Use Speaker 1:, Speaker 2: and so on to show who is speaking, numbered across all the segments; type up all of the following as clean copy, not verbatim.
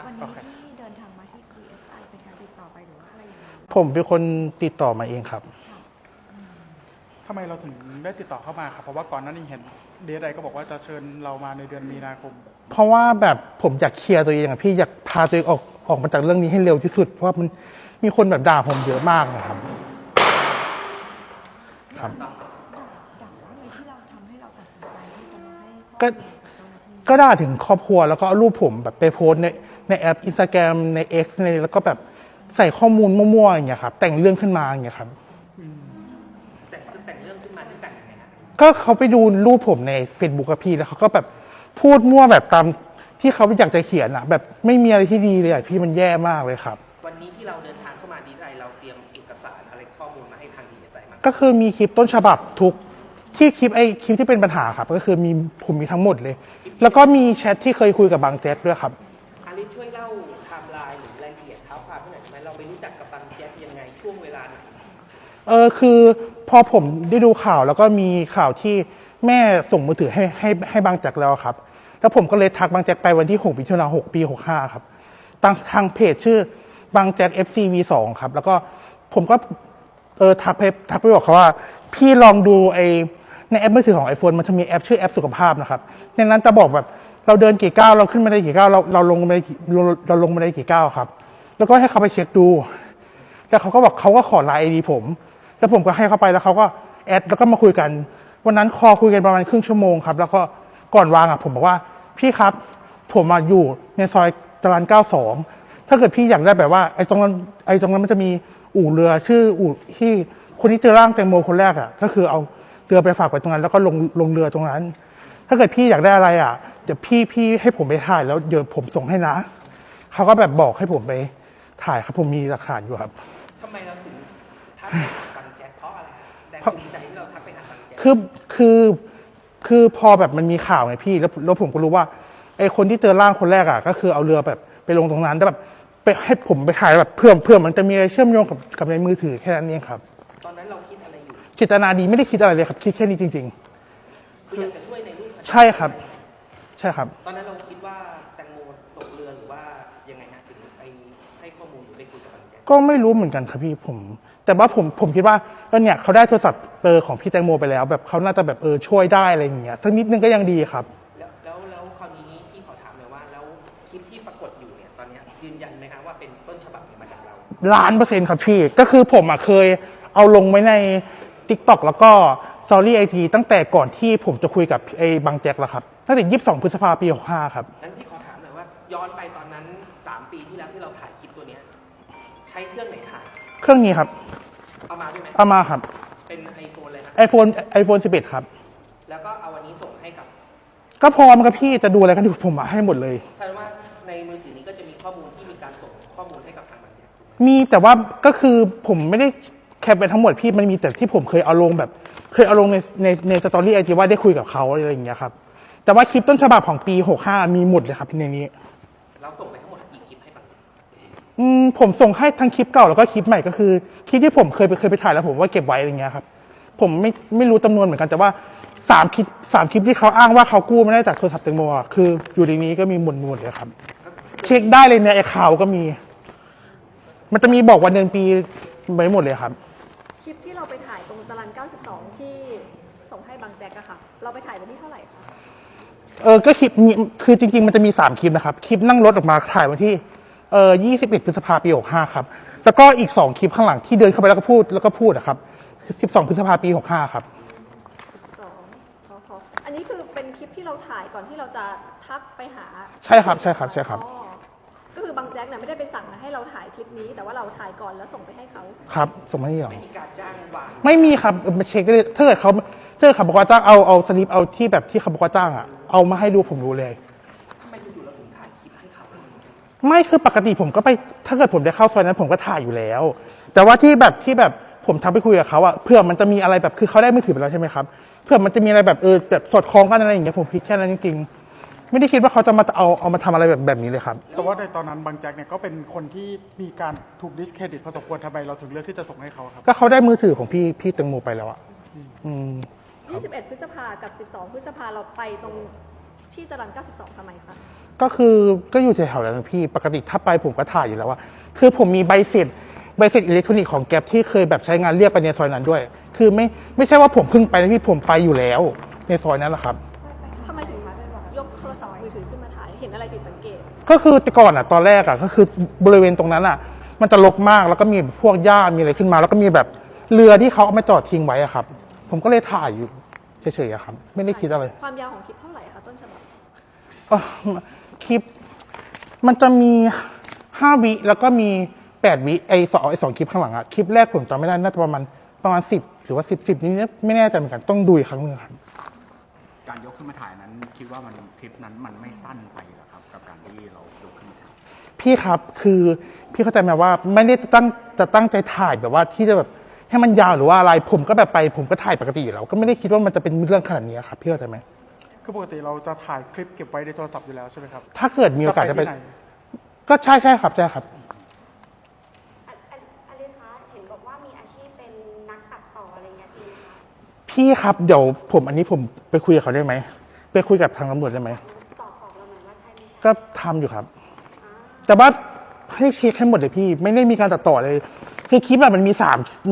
Speaker 1: วันนี้ที่เดินทางมาที่ DSI เป็นการติดต่อไปหรือว่าอะไรอย่างไร
Speaker 2: ผมเป็นคนติดต่อมาเองครับ
Speaker 3: ทำไมเราถึงได้ติดต่อเข้ามาครับเพราะว่าก่อนหน้านี้เห็นDSIก็บอกว่าจะเชิญเรามาในเดือนมีนาคม
Speaker 2: เพราะว่าแบบผมอยากเคลียร์ตัวเองอะพี่อยากพาตัวเองออกมาจากเรื่องนี้ให้เร็วที่สุดเพราะว่ามันมีคนแบบด่าผมเยอะมากนะครับครับ
Speaker 1: ด่าว่าอะไรที่เราทำให้เราตัดสินใจที่จะมาให้
Speaker 2: ก็ด่าถึงครอบครัวแล้วก็เอารูปผมแบบไปโพสในแอป Instagram ใน X ในแล้วก็แบบใส่ข้อมูลมั่วๆอย่างเงี้ยครับแต่งเรื่องขึ้นมาอย่างเงี้ยครับ
Speaker 4: แต่งเรื่องขึ้นมาที่แต่งยังไงฮะ
Speaker 2: ก็เขาไปดูรูปผมใน Facebook กับพี่แล้วเขาก็แบบพูดมั่วแบบตามที่เขาอยากจะเขียนอะแบบไม่มีอะไรที่ดีเลยอะพี่มันแย่มากเลยครับ
Speaker 4: วันนี้ที่เราเดินทางเข้ามาDSIเราเตรียมเอกสารอะไรข้อมูลมาให้ทางDSIมา
Speaker 2: ก็คือมีคลิปต้นฉบับทุกที่คลิปที่เป็นปัญหาครับก็คือผมมีทั้งหมดเลยแล้วก็มีแชทที่เคยคุยกับบางแจ๊กด้วยครับ
Speaker 4: อาริสช่วยเล่าไทม์ไลน์หรือรายละเอียดเท้าความให้หน่อยได้ไหมเราไปรู้จักกับบางแจ๊กยังไงช่วงเวลาไหน
Speaker 2: คือพอผมได้ดูข่าวแล้วก็มีข่าวที่แม่ส่งมือถือให้บางแจ๊กแล้วครับแล้วผมก็เลยทักบางแจ๊กไปวันที่6 มิถุนายน ปี 65ครับทางเพจชื่อบางแจ๊ก FCV2 ครับแล้วก็ผมก็ทักไปบอกเขาว่าพี่ลองดูในแอปมือถือของ iPhone มันจะมีแอปชื่อแอปสุขภาพนะครับในนั้นจะบอกแบบเราเดินกี่ก้าวเราขึ้นมาได้กี่ก้าวเราลงมาได้กี่ก้าวครับแล้วก็ให้เขาไปเช็คดูแล้วเขาก็บอกเขาก็ขอไลน์ ID ผมแล้วผมก็ให้เขาไปแล้วเขาก็แอดแล้วก็มาคุยกันวันนั้นคอคุยกันประมาณครึ่งชั่วโมงครับแล้วก็ก่อนวางผมบอกว่าพี่ครับผมมาอยู่ในซอยจรัญ92ถ้าเกิดพี่อยากได้แบบว่าไอ้ตรงนั้นมันจะมีอู่เรือชื่ออู่ที่คนที่เจอร่างแตงโมคนแรกก็คือเอาเรือไปฝากไว้ตรงนั้นแล้วก็ลงเรือตรงนั้นถ้าเกิดพี่อยากได้อะไรเดี๋ยวพี่ให้ผมไปถ่ายแล้วเดี๋ยวผมส่งให้นะเขาก็แบบบอกให้ผมไปถ่ายครับผมมีหลักฐานอยู่ครับ
Speaker 4: ทำไมเราถึงทักไปหาบางแจ๊กเพราะอะไรแรงจูงใจที่เราทักไปหาบางแจ๊ก
Speaker 2: คือพอแบบมันมีข่าวไงพี่แล้วผมก็รู้ว่าไอ้คนที่เจอร่างคนแรกก็คือเอาเรือแบบไปลงตรงนั้นแล้วแบบไปให้ผมไปถ่ายแบบเพื่อมันจะมีอะไรเชื่อมโยงกับในมือถือแค่นั้นเองครับ
Speaker 4: ตอนนั้นเราคิดอะไรอยู่
Speaker 2: เจตนาดีไม่ได้คิดอะไรเลยครับคิดแค่นี้จริง
Speaker 4: ๆคืออยากจะช่วยในรูป
Speaker 2: ใช่ครับใช่ครับ
Speaker 4: ตอนนั้นเราคิดว่าแตงโมตกเรือหรือว่ายังไงฮะถึงไปให้ข้อมูลหรือไปคุยกับบางแจ๊ก
Speaker 2: ก็ไม่รู้เหมือนกันครับพี่แต่ว่าผมคิดว่าเนี่ยเขาได้โทรศัพท์ของพี่แตงโมไปแล้วแบบเขาน่าจะแบบช่วยได้อะไรอย่างเงี้ยสักนิดนึงก็ยังดีครับ
Speaker 4: แล้วคราวนี้พี่ขอถามเลยว่าแล้วคลิปที่ปรากฏอยู่เนี่ยตอนนี้ยืนยันไหมครับว่าเป็นต้นฉบับมาจากเรา
Speaker 2: 1,000,000%ครับพี่ก็คือผมเคยเอาลงไว้ใน TikTok แล้วก็สตอรี่IGตั้งแต่ก่อนที่ผมจะคุยกับบางแจ็คแล้วครับตั้งแต่22 พฤษภาคม ปี 65ครับ
Speaker 4: งั้นพี่ขอถามหน่อยว่าย้อนไปตอนนั้น3 ปีที่แล้วที่เราถ่ายคลิปตัวนี้ใช้เครื่องไหนถ่าย
Speaker 2: เครื่องนี้ครับ
Speaker 4: เอามาด้วยไหม
Speaker 2: เอามาครับ
Speaker 4: เป็นไอโฟนเลยครับ
Speaker 2: iPhone 11ครับ
Speaker 4: แล้วก็เอาวันนี้ส่งให้กับ
Speaker 2: ก็พอมันกับพี่จะดูอะไรกันดูผมให้หมดเลย
Speaker 4: แสดงว่าในมือถือนี้ก็จะมีข้อมูลที่มีการส่งข้อมูลให้กับทางบางแจ๊ก
Speaker 2: มีแต่ว่าก็คือผมไม่ได้แคปไปทั้งหมดพี่มันมีแต่ที่ผมเคยเอาลงในสตอรี่ไอจีว่าได้คุยกับเขาอะไรอย่างเงี้ยครับแต่ว่าคลิปต้นฉบับของปี65มีหมดเลยครับในนี้
Speaker 4: เราส่งไปทั้งหมดกี่คลิปให้บาง
Speaker 2: ผมส่งให้ทั้งคลิปเก่าแล้วก็คลิปใหม่ก็คือคลิปที่ผมเคยไปถ่ายแล้วผมว่าเก็บไว้อะไรเงี้ยครับผมไม่รู้จำนวนเหมือนกันแต่ว่า3 คลิปที่เขาอ้างว่าเขากู้ไม่ได้จากโทรศัพท์แตงโมคืออยู่ในนี้ก็มีหมดเลยครับเช็คได้เลยในไอ้ข่าวก็มีมันจะมีบอกวันเดือนปีไว้หมดเลยครับ
Speaker 1: คลิปที่เราไปถ่ายตรงจรัญ92ที่ส่งให้บางแจ๊กค่ะเราไปถ่ายวันที่เท่าไหร่คะ
Speaker 2: ก็คลิปนี้คือจริงๆมันจะมี3 คลิปนะครับคลิปนั่งรถออกมาถ่ายวันที่21 พฤษภาคม ปี 65ครับแล้วก็อีก2 คลิปข้างหลังที่เดินเข้าไปแล้วก็พูดครับ12 พฤษภาคม ปี 65ครับ
Speaker 1: อันนี้คือเป็นคลิปที่เราถ่ายก่อนที่เราจะทักไปหา
Speaker 2: ใช่ครับ
Speaker 1: ก็คือบางแจ๊กเนี่ยไม่ได้ไปสั่งให้เราถ่ายคลิปนี้แต่ว่าเราถ่ายก่อนแล้วส่งไปให้เขา
Speaker 2: ครับส่งมาให้เขา
Speaker 4: ไม่มีการจ้างวาง
Speaker 2: ไม่มีครับมาเช็คได้เลยถ้าเกิดเขาบอกว่าจ้างเอาสลิปเอาที่แบบที่เขาบอกว่าจ้างเอามาให้ดูผมรู้เลย
Speaker 4: ทำไมอยู่ๆเราถึงถ่ายคลิปให้เขา
Speaker 2: ไม่คือปกติผมก็ไปถ้าเกิดผมได้เข้าซอยนั้นผมก็ถ่ายอยู่แล้วแต่ว่าที่แบบผมทักไปคุยกับเขาเพื่อมันจะมีอะไรแบบคือเขาได้มือถือไปแล้วใช่ไหมครับเพื่อมันจะมีอะไรแบบแบบสอดคล้องกันอะไรอย่างเงี้ยผมคิดแค่นั้นจริงๆไม่ได้คิดว่าเขาจะมาเอามาทำอะไรแบบนี้เลยครับ
Speaker 3: แต่ว่าในตอนนั้นบางแจ็คเนี่ยก็เป็นคนที่มีการถูกดิสเครดิตพอสมควรทำไมเราถึงเลือกที่จะส่งให้เขาครับ
Speaker 2: ก็เขาได้มือถือของพี่แตงโมไปแล้ว
Speaker 1: 21 พฤษภากับ12 พฤษภาเราไปตรงที่จรัญ92ทำไมคะ
Speaker 2: ก็คือก็อยู่แถวๆนั้นนะพี่ปกติถ้าไปผมก็ถ่ายอยู่แล้วว่าคือผมมีใบเสร็จอิเล็กทรอนิกส์ของแก๊ปที่เคยแบบใช้งานเรียกไปในซอยนั้นด้วย คือไม่ใช่ว่าผมเพิ่งไปนะพี่ผมไปอยู่แล้วในซอยนั้นแหละครับ
Speaker 1: ทำไมถึงยกโทรศัพท์มือถือขึ้นมาถ่ายเห็นอะไรผิดสังเกต
Speaker 2: ก็คือแต่ก่อนอ่ะตอนแรกอ่ะก็คือบริเวณตรงนั้นอ่ะ มันจะรกมากแล้วก็มีพวกหญ้ามีอะไรขึ้นมา แล้วก็มีแบบเรือที่เขาเอามาจอดทิ้งไว้อ่ะครับ ผมก็เลยถ่ายอยู่เฉยๆอะครับ ไม่ได้คิดอะไร
Speaker 1: ความยาวของคลิปเท่าไหร่คะต้นฉบับ
Speaker 2: อ่ะคลิป มันจะมี5 วิแล้วก็มี8 วิไอ้สองคลิปข้างหลังอ่ะคลิปแรกผมจำไม่ได้น่าจะประมาณ10หรือว่า10นี่ไม่แน่ใจเหมือนกันต้องดูอีกครั้งหนึงครับ
Speaker 5: การยกขึ้นมาถ่ายนั้นคิดว่ามันคลิปนั้นมันไม่สั้นไปเหรอครับ กับการที่เรายกขึ้นมาถ่าย
Speaker 2: พี่ครับคือพี่เข้าใจไหมว่าไม่ได้ตั้งใจถ่ายแบบว่าที่จะแบบให้มันยาวหรือว่าอะไรผมก็แบบไปผมก็ถ่ายปกติอยู่แล้วก็ไม่ได้คิดว่ามันจะเป็นเรื่องขนาดนี้ครับพี่เข้าใจไหม
Speaker 3: คือปกติเราจะถ่ายคลิปเก็บไว้ในโทรศัพท์อยู่แล้วใช่ไหมครับ
Speaker 2: ถ้าเกิดมีโอกาสจะไป
Speaker 3: ที่ไหน
Speaker 2: ก็ใช่ครับใช่ครับ
Speaker 6: อลิคะเห็นบอกว่ามีอาชีพเป็นนักตัดต่ออะไรเงี้ยจริงไหมคะ
Speaker 2: พี่ครับเดี๋ยวอันนี้ผมไปคุยกับเขาได้ไหมไปคุยกับทางตำรวจได้ไหม
Speaker 6: ตอบเราหน่อยว่าใช่ไหมคะ
Speaker 2: ก็ทำอยู่ครับ แต่ว่าให้เช็คให้หมดเลยพี่ไม่ได้มีการตัดต่อเลยคือคลิปแบบมันมี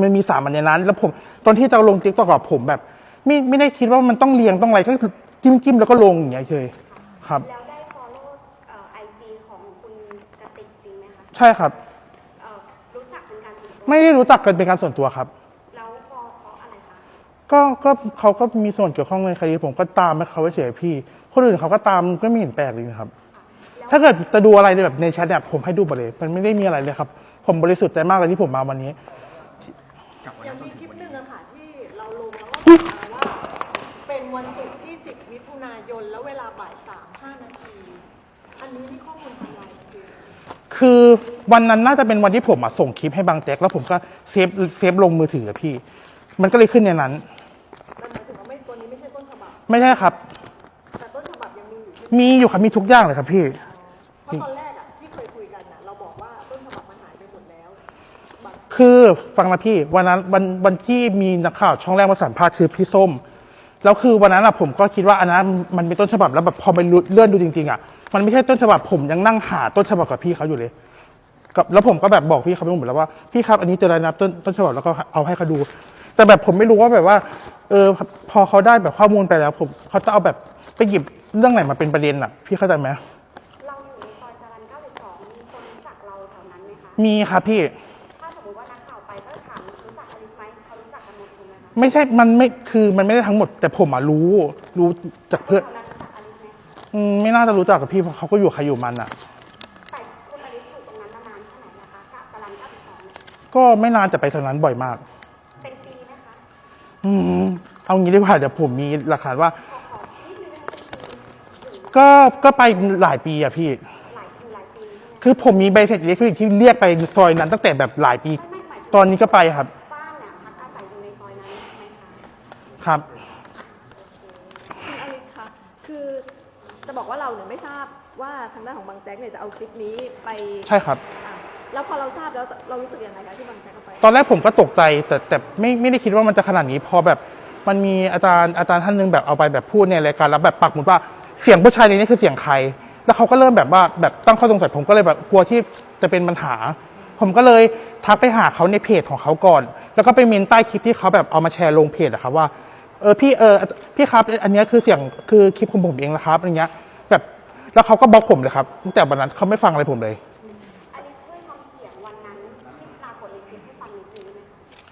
Speaker 2: 3อันในนั้น แล้วผมตอนที่จะเอาลงติ๊กต็อกกับผมแบบ ไม่ได้คิดว่ามันต้องเรียงต้องอะไรก็คือจิ้มแล้วก็ลงอย่างเงี้ยเลยครับ
Speaker 6: แล้วได้ follow IG ของคุณกติกจริงไหมคะ
Speaker 2: ใช่ครับ
Speaker 6: รู้จักเป็นการส่วนตัว
Speaker 2: ไม่ได้รู้จักกันเป็นการส่วนตัวครับ
Speaker 6: แล้วเพราะอะไรคะ
Speaker 2: ก็เขาก็มีส่วนเกี่ยวข้องในคดีผมก็ตามให้เขาเฉยๆพี่ คนอื่นเขาก็ตามก็ไม่เห็นแปลกเลยนะครับ ถ้าเกิดจะดูอะไรแบบในแชทเนี่ยผมให้ดูหมดเลยมันไม่ได้มีอะไรเลยครับ ผมบริสุทธิ์ใจมากเลยที่ผมมาวันนี้
Speaker 5: จากวัน
Speaker 7: ยั
Speaker 5: นั้
Speaker 7: ง
Speaker 5: นจน
Speaker 7: มี
Speaker 5: ถึ
Speaker 7: ค
Speaker 5: ง
Speaker 7: ลิป
Speaker 5: วันนี้
Speaker 7: หนึ่งอะค่ะที่เราลงแล้วว่าเป็นวันศุกร์ที่ 10 มิถุนายน แล้วเวลาบ่าย 3:05 นาที อันนี้นี่ข้อมูลทางไลน์คือ
Speaker 2: คือวันนั้นน่าจะเป็นวันที่ผมส่งคลิปให้บางแจ็คแล้วผมก็เซฟลงมือถืออะพี่ มันก็เลยขึ้นในนั้น
Speaker 7: มันหมายถึงว่าตัวนี้ไม่ใช่ต้นฉบับ
Speaker 2: ไม่ใช่ครับ
Speaker 7: แต่ต้นฉบับยังมีอยู่ใช่ไหม
Speaker 2: มีอยู่ครับมีทุกอย่างเลยครับพี่
Speaker 7: เพราะตอนแรกอะที่เคยคุยกันอะเราบอกว่าต้นฉบับมันหายไปหมดแล้วบาง
Speaker 2: คือฟังนะพี่วันนั้นวันที่มีนักข่าวช่องแรกมาสัมภาษณ์คือพี่ส้มแล้วคือวันนั้นผมก็คิดว่าอันนั้นมันเป็นต้นฉบับแล้วแบบพอไปเลื่อนดูจริงๆมันไม่ใช่ต้นฉบับผมยังนั่งหาต้นฉบับกับพี่เขาอยู่เลยแล้วผมก็แบบบอกพี่เขาไปหมดแล้วว่าพี่ครับอันนี้เจอแล้วนะต้นฉบับแล้วก็เอาให้เขาดู แต่แบบผมไม่รู้ว่าแบบว่าพอเขาได้แบบข้อมูลไปแล้วผมเขาจะเอาแบบไปหยิบเรื่องไหนมาเป็นประเด็นพี่เข้าใจไหม
Speaker 6: เราอยู่ในซอยจรัญ92มีคนรู้จักเราแถวนั้นไหมคะ
Speaker 2: มีครับพี่
Speaker 6: ถ้าสมมติว่านักข่าวไปก็ถามรู้จักอลิสไหมเขารู้จักกันหมดถูกไหมคะ
Speaker 2: ไม่ใช่มันไม่ได้ทั้งหมด แต่ผมรู้จากเพื่อน
Speaker 6: แถวนั้นรู้จักอลิสไหม
Speaker 2: ไม่น่าจะรู้จักกับพี่เพราะเขาก็อยู่ใครอยู่มันอ่ะ
Speaker 6: แต่คุณอลิสอยู่ตรงนั้นมานานแค่ไหนนะคะกับจรัญ92เนี่ย
Speaker 2: ก็ไม่นานแต่ไปทางนั้นบ่อยมาก
Speaker 6: เป็นปีไหมคะ
Speaker 2: เอางี้ดีกว่าเดี๋ยวผมมีหลักฐานว่า
Speaker 6: ขอนิดนึงนะคะเป็นปีถึง
Speaker 2: ก็ไปหลายปีอะพี่
Speaker 6: หลายปีใช่ไหม
Speaker 2: คือผมมีใบเสร็จอิเล็กทรอนิกส์ที่เรียกไปซอยนั้นตั้งแต่แบบหลายปี
Speaker 6: ไม่หมายถึง
Speaker 2: ตอนนี้ก็ไปครับ
Speaker 6: บ้านเนี่ยพักอาศัยอยู่ในซอยนั้นใช่ไหมคะ
Speaker 2: ครับ
Speaker 1: คุณอลิศคะคือจะบอกว่าเราเนี่ยไม่ทราบว่าทางด้านของบางแจ็คเนี่ยจะเอาคลิปนี้ไป
Speaker 2: ใช่ครับ
Speaker 1: อ่ะแล้วพอเราทราบแล้วเรารู้สึกยังไงคะที่บางแจ็คเอาไป
Speaker 2: ตอนแรกผมก็ตกใจแต่ไม่ได้คิดว่ามันจะขนาดนี้พอแบบมันมีอาจารย์ท่านหนึงแบบเอาไปแบบพูดในรายการแล้วแบบปักหมุดว่าเสียงผู้ชายในนี้คือเสียงใคร แล้วเขาก็เริ่มแบบว่าแบบตั้งข้อสงสัยผมก็เลยแบบกลัวที่จะเป็นปัญหา ผมก็เลยทักไปหาเขาในเพจของเขาก่อน แล้วก็ไปเมนใต้คลิปที่เขาแบบเอามาแชร์ลงเพจอะครับว่าพี่ครับอันนี้คือเสียงคือคลิปของผมเองนะครับอะไรเงี้ยแบบแล้วเขาก็บล็อกผมเลยครับตั้งแต่วันนั้นเขาไม่ฟังอะไรผมเลย
Speaker 6: อลิสช่วยทำเสียงวันนั้นที่ปรากฏในคลิปให้ฟังนิดนึงได้ไหมคะ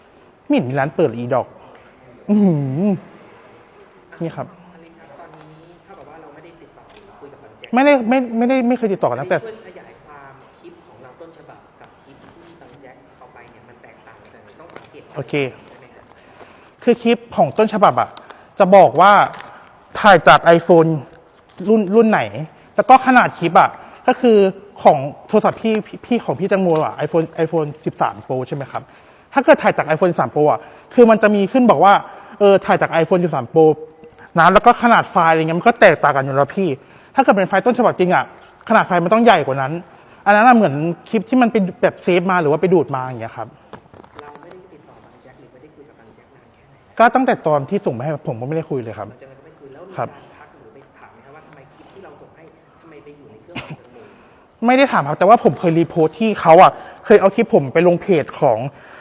Speaker 2: ไม่เห็นมีร้านเปิดเลยอีดอก อือหือนี่ครับ
Speaker 4: อลิครับตอนนี้เท่ากับว่าเราไม่ได้ติดต่อหรือคุยกับบางแจ็ค
Speaker 2: ไม่เคยติดต่อกันตั้งแต่
Speaker 4: ช่วยขยายความคลิปของเราต้นฉบับกับคลิปที่บางแจ็คเอาไปเนี่ยมันแตกต่างกันยังไงต้องสังเกต
Speaker 2: โอเค
Speaker 4: ใช่ไหมครับ
Speaker 2: คือคลิปของต้นฉบับจะบอกว่าถ่ายจาก iPhone รุ่นไหน แล้วก็ขนาดคลิปก็คือของโทรศัพท์พี่ของพี่แตังโมiPhone 13 Pro ใช่ไหมครับ ถ้าเกิดถ่ายจาก iPhone 13 Pro คือมันจะมีขึ้นบอกว่าถ่ายจาก iPhone 13 Pro นะแล้วก็ขนาดไฟล์อะไรเงี้ยมันก็แตกต่างกันอยู่แล้วพี่ ถ้าเกิดเป็นไฟล์ต้นฉบับจริงขนาดไฟล์มันต้องใหญ่กว่านั้น อันนั้นเหมือนคลิปที่มันเป็นแบบเซฟมาหรือว่าไปดูดมาอย่างเงี้ยครับ
Speaker 4: เราไม่ได้ติดต่อบางแจ็คหรือไม่ได้คุยกับบางแจ็คนานแค่ไหน
Speaker 2: ก็ตั้งแต่ตอนที่ส่งมาให้ผมก็ไม่ได้คุยเลยครับ
Speaker 4: หลังจากนั้นก็ไม่คุยแล้วมี
Speaker 2: ครั
Speaker 4: กา
Speaker 2: บ
Speaker 4: รทักหรือไปถามไหมครับว่าทำไมคลิปที่เราส่งให้ทำไมไปอยู่ในเครื่อง
Speaker 2: ไม่ได้ถามครับแต่ว่าผมเคยรีโพสต์ที่เขาอ่ะเคยเอาคลิปผมไปลงเพจของ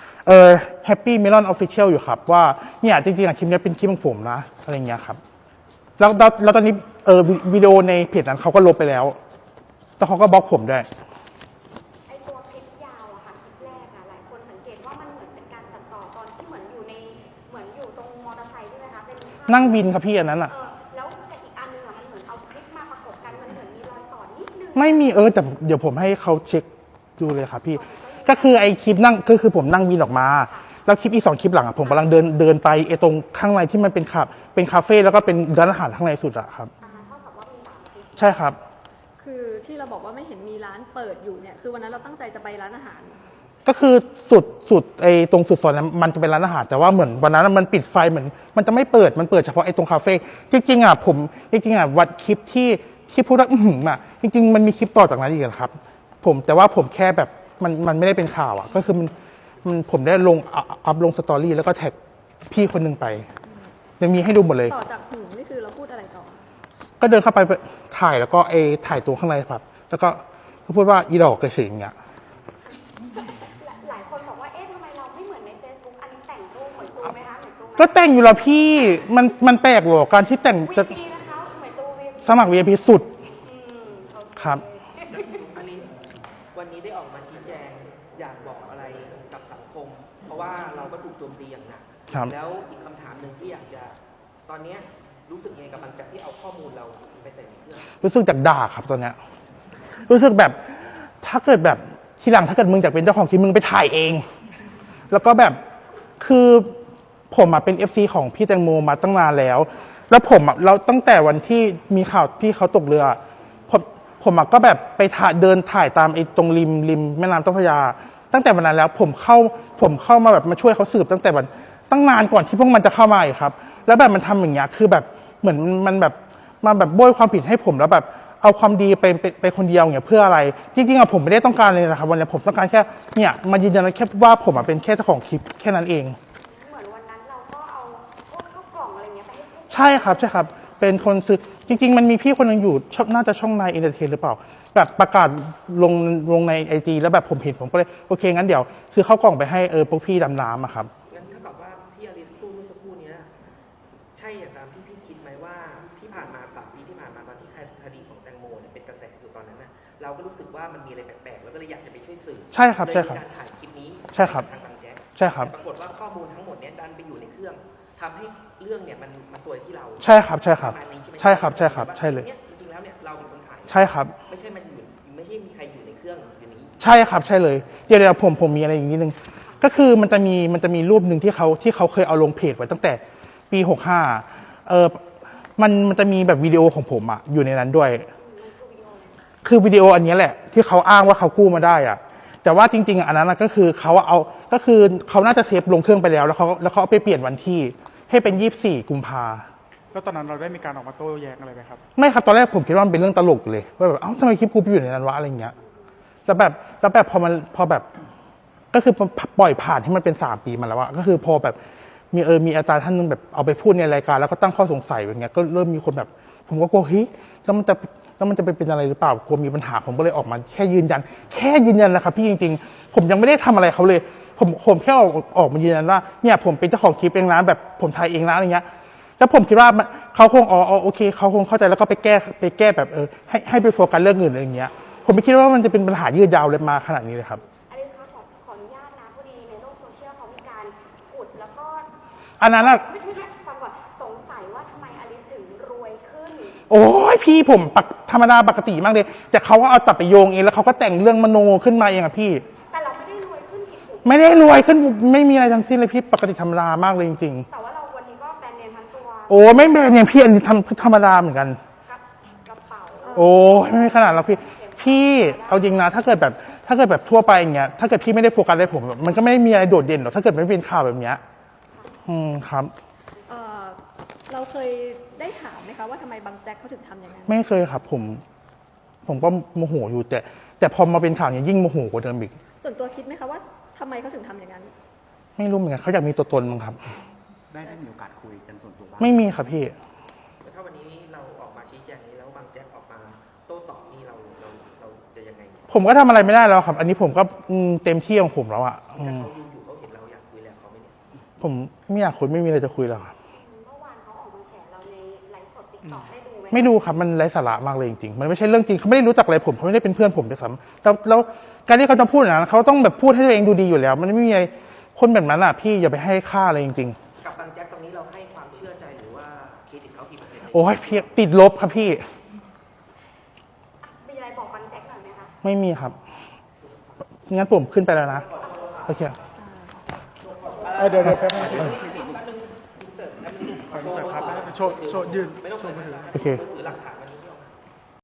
Speaker 2: Happy Melon Official อยู่ครับว่าเนี่ยจริงๆคลิปนี้เป็นคลิปของผมนะอะไรเงี้ยครับแล้วตอนนี้วิดีโอในเพจนั้นเขาก็ลบไปแล้วแต่เขาก็บล็อกผมด้วย
Speaker 6: ไอตัวคลิปยาวอะค่ะคลิปแรกอะหลายคนสังเกตว่ามันเหมือนเป็นการตัดต่อตอนที่เหมือนอยู่ตรงมอเตอร์ไซค์ใช่ไหมคะเป็นภาพ
Speaker 2: นั่งบินครับพี่อันนั้นอ่ะ
Speaker 6: แล้วแต่อีกอันนึงอะมันเหมือนเอาคลิปมาประกบกันมันเหมือนมีรอยต่อนิดนึง
Speaker 2: ไม่มีแต่เดี๋ยวผมให้เขาเช็คดูเลยครับพี่ก็คือไอคลิปนั่งก็คือผมนั่งบินออกมาแล้วคลิปอีก2คลิปหลังอะผมกำลังเดินไปไอตรงข้างในที่มันเป็นคาเฟ่แล้วก็เป็นร้านอาหารข้างในสุดอะครับ
Speaker 6: เท่ากับว่ามี3คลิป
Speaker 2: ใช่ครับ
Speaker 1: คือที่เราบอกว่าไม่เห็นมีร้านเปิดอยู่เนี่ยคือวันนั้นเราตั้งใจจะไปร้านอาหาร
Speaker 2: ก็คือสุดไอตรงสุดซอยนั้นมันจะเป็นร้านอาหารแต่ว่าเหมือนวันนั้นมันปิดไฟเหมือนมันจะไม่เปิดมันเปิดเฉพาะไอตรงคาเฟ่จริงๆผมวัดคลิปที่พูดว่าจริงๆมันมีคลิปต่อจากนั้นอีกครับแต่ว่าผมแค่แบบมันไม่ได้เป็นข่าวก็คือมันผมได้อัพลงสตอรี่แล้วก็แท็กพี่คนหนึงไปยังมีให้ดูหมดเลย
Speaker 1: ต่อจากหูนี่คือเราพูดอะไรต่อ
Speaker 2: ก็เดินเข้าไปถ่ายแล้วก็ถ่ายตัวข้างในครับแล้วก็พูดว่าอีดอกกระสิงอย่างเงี้ย
Speaker 6: หลายคนบอกว่าเอ๊ะทำไมเราไม่เหมือนใน Facebook อันนี้แต่งรูปเหมือนตูไหมคะเหมือนตูไหม
Speaker 2: ก็แต่งอยู่แล้วพี่มันแปลกหรอการที่แต่งจะ
Speaker 6: วีพีนะคะเหมือนตูวี
Speaker 2: สมัคร VIP สุด
Speaker 6: โอเค
Speaker 2: ครับ
Speaker 4: อันนี้วันนี้ได้ออกมาชี้แจงอยากบอกอะไรกับสังคม เพราะว่าเราก็ถูกโจมตีอย่างหนัก
Speaker 2: ครับ
Speaker 4: แล้วอีกคำถามหนึ่งที่อยากจะตอนเนี้ยรู้สึกยังไงกับบางจากที่เอาข้อมูลเราไปใส่ในเครื่อง
Speaker 2: รู้สึกจากด่าครับตอนเนี้ยรู้สึกแบบถ้าเกิดแบบทีหลังถ้าเกิดมึงอยากเป็นเจ้าของคลิปมึงไปถ่ายเอง แล้วก็แบบคือผมเป็น FC ของพี่แตงโมมาตั้งนานแล้ว แล้วผมเราตั้งแต่วันที่มีข่าวพี่เขาตกเรือผมก็แบบไปเดินถ่ายตามไอ้ตรงริมแม่น้ำเจ้าพระยา ตั้งแต่วันนั้นแล้วผมเข้ามาแบบมาช่วยเขาสืบตั้งแต่วันตั้งนานก่อนที่พวกมันจะเข้ามาอีกครับ แล้วแบบมันทำอย่างเงี้ยคือแบบเหมือนมันแบบมาแบบโบยความผิดให้ผมแล้วแบบเอาความดีไปคนเดียวอย่างเงี้ยเพื่ออะไรจริงๆผมไม่ได้ต้องการเลยนะครับวันนี้ผมต้องการแค่เนี่ยมายืนยันแค่ว่าผมเป็นแค่เจ้าของคลิปแค่นั้นเอง
Speaker 6: เหมือนวันนั้นเราก็เอาพวกข้าวกล่องอะไรเงี้ยไปให้ผู้
Speaker 2: ใช่ครับเป็นคนซื้อจริงๆมันมีพี่คนหนึงอยู่น่าจะช่องนายเอนเตอร์เทนหรือเปล่าแบบประกาศลงในIG แล้วแบบผมเห็นผมก็เลยโอเคงั้นเดี๋ยวซื้อข้าวกล่องไปให้พวกพี่ดำน้ำอะครับ
Speaker 4: งั้นเท่ากับว่าที่อลิสพูดเมื่อสักครู่เนี้ยใช่อย่างตามที่พี่คิดไหมว่าที่ผ่านมา3 ปีที่ผ่านมาตอนที่คดีของแตงโมเนี่ยเป็นกระแสอยู่ตอนนั้นน่ะเราก็รู้สึกว่ามันมีอะไรแปลกๆแล้วก็เลยอยากจะไปช่วยสื่อ
Speaker 2: ใช่ครับ
Speaker 4: เลย
Speaker 2: ใช่ครับ
Speaker 4: มีการถ่ายคลิปนี้
Speaker 2: ใช่ครับ
Speaker 4: ทางบางแจ๊ก
Speaker 2: ใช่ครับ
Speaker 4: แต่ปรากฏว่าข้อมูลทั้งหมดเนี้ยดันไปอยู่ในเครื่องทำให้เรื่องเนี่ยมันมาซวยที่เรา
Speaker 2: ใช่ครับ
Speaker 4: ประมาณนี้ใช่ไหม
Speaker 2: ใช่ครับใช่เลย
Speaker 4: นี่จริงๆแล้วเนี่ยเราเป็นคนถ่าย
Speaker 2: ใช่ครับ
Speaker 4: ไม่ใช่มีใครอยู่ในเครื่องอยู่นี้
Speaker 2: ใช่ครับใช่เลยเดี๋ยวผมมีอะไรอย่างนี้นึงก็คือมันจะมีรูปหนึ่งที่เขาเคยเอาลงเพจไว้ตั้งแต่ปี65มันจะมีแบบวิดีโอของผมอยู่ในนั้นด้วย คือวิดีโออันนี้แหละ ที่เขาอ้างว่าเขากู้มาได้แต่ว่าจริงๆอันนั้นก็คือเขาน่าจะเซฟลงเครื่องไปแล้วเขาเอาไปเปลี่ยนวันที่ให้เป็น24 กุมภา
Speaker 3: แล้วตอนนั้นเราได้มีการออกมาโต้แย้งอะไรไหมครับ
Speaker 2: ไม่ครับตอนแรกผมคิดว่ามันเป็นเรื่องตลกเลยว่าแบบเอ้าทำไมคลิปกูไปอยู่ในนั้นวะอะไรเงี้ยแล้วแบบพอแบบก็คือปล่อยผ่านให้มันเป็น3 ปีมาแล้วก็คือพอแบบมีอาจารย์ท่านนึงแบบเอาไปพูดในรายการแล้วก็ตั้งข้อสงสัยอย่างเงี้ยก็เริ่มมีคนแบบผมก็กลัวเฮ้ยแล้วมันจะไปเป็นอะไรหรือเปล่ากลัวมีปัญหาผมก็เลยออกมาแค่ยืนยันแหละครับพี่จริงๆผมยังไม่ได้ทำอะไรเขาเลยผมแค่ออกมายืนยันว่าเนี่ยผมเป็นเจ้าของคลิปเองนะแบบผมถ่ายเองนะอะไรเงี้ยแล้วผมคิดว่าเขาคงโอเคเขาคงเข้าใจแล้วก็ไปแก้แบบให้ไปโฟกัสเรื่องอื่นอะไรอย่างเงี้ยผมไม่คิดว่ามันจะเป็นปัญหายืดยาวเลยมาขนาดนี้เลยครับ
Speaker 6: อลิซคะขออนุญาตนะพอดีในโลกโซเชียลเขามีการขุดแล้วก็
Speaker 2: อันนั้น
Speaker 6: ไม่ใช่ฟังก่อนสงสัยว่าทำไมอลิซถึงรวยขึ้น
Speaker 2: โอ้ยพี่ผมธรรมดาปกติมากเลยแต่เขาก็เอาจับไปโยงเองแล้วเขาก็แต่งเรื่องมโนขึ้นมาเองพี่
Speaker 6: แต่เราไม่ได้รวยขึ้นผิดถูก
Speaker 2: ไม่ได้รวยขึ้นไม่มีอะไรทั้งสิ้นเลยพี่ปกติธรรมดามากเลยจริง
Speaker 6: แต่ว่าเราวันนี้ก็แบรนด์เนมทั้งตัว
Speaker 2: ๆโอ้ไม่เป็นอย่างพี่อันนี้ธรรมดาเหมือนกัน
Speaker 6: กระเป๋า
Speaker 2: โอ้ไม่ขนาดเราพี่เอาจริงนะถ้าเกิดแบบทั่วไปอย่างเงี้ยถ้าเกิดพี่ไม่ได้โฟกัสเลยผมมันก็ไม่ได้มีอะไรโดดเด่นหรอกถ้าเกิดไม่เป็นข่าวแบบเนี้ยครับ
Speaker 1: เราเคยได้ถามไหมคะว่าทำไมบางแจ็คเขาถึงทำอย่างนั้น
Speaker 2: ไม่เคยครับผมก็โมโหอยู่แต่พอมาเป็นข่าวเนี้ยยิ่งโมโหกว่าเดิมอีก
Speaker 1: ส่วนตัวคิดไหมคะว่าทำไมเขาถึงทำอย่างนั้น
Speaker 2: ไม่รู้เหมือนกันเขาอยากมีตัวตนมั้งครับ
Speaker 5: ได้มีโอกาสคุยกันส่วนตัวบ้าง
Speaker 2: ไม่มีครับพี่
Speaker 4: ถ้าวันนี้เราออกมาชี้แจงนี้แล้วบางแจ๊กออกมาโต้ตอบนี่เราจะยังไง
Speaker 2: ผมก็ทำอะไรไม่ได้แล้วครับ อันนี้ผมก็เต็มที่ของผมแล้วอ่ะ
Speaker 4: แต่เขาดูอยู่เขาเห็นเราอยากคุยแล้วเขาไม่เนี่ย
Speaker 2: ผมไม่อยากคุยไม่มีอะไรจะคุยแล้วครับ
Speaker 6: เมื่อวานเขาออกมาแฉเราในไลฟ์สดติ๊กต็อกได้ดูไหม
Speaker 2: ไม่ดูครับมันไร้สาระมากเลยจริงๆมันไม่ใช่เรื่องจริงเขาไม่ได้รู้จักอะไรผมเขาไม่ได้เป็นเพื่อนผมด้วยซ้ำแล้วการที่เขาจะพูดอย่างนั้นเขาต้องแบบพูดให้ตัวเองดูดีอยู่แล้ว มันไม่มีอะไรคนแบบนั้นอ่ะพี่อย่าไปให้ค่าอะไรจริง
Speaker 4: กับบางแจ็คตรงนี้เราให้ความเชื่อใจหรือว่าเครดิตเขากี่เปอร์เซ็นต์
Speaker 2: ๆโอ้ยพี่ติดลบครับพี่
Speaker 6: มีอะไรบอกบางแจ็คหน่อยไหมคะ
Speaker 2: ไม่มีครับงั้นผมขึ้นไปแล้วนะโอเค
Speaker 3: เดี๋ยวแป๊บนึง
Speaker 2: เออ
Speaker 3: ขออินเสิร์ตครับโชว์ยืน
Speaker 4: ไม่ต้อง
Speaker 3: โชว์มือถือ
Speaker 2: โอเค
Speaker 4: ถือหลักฐาน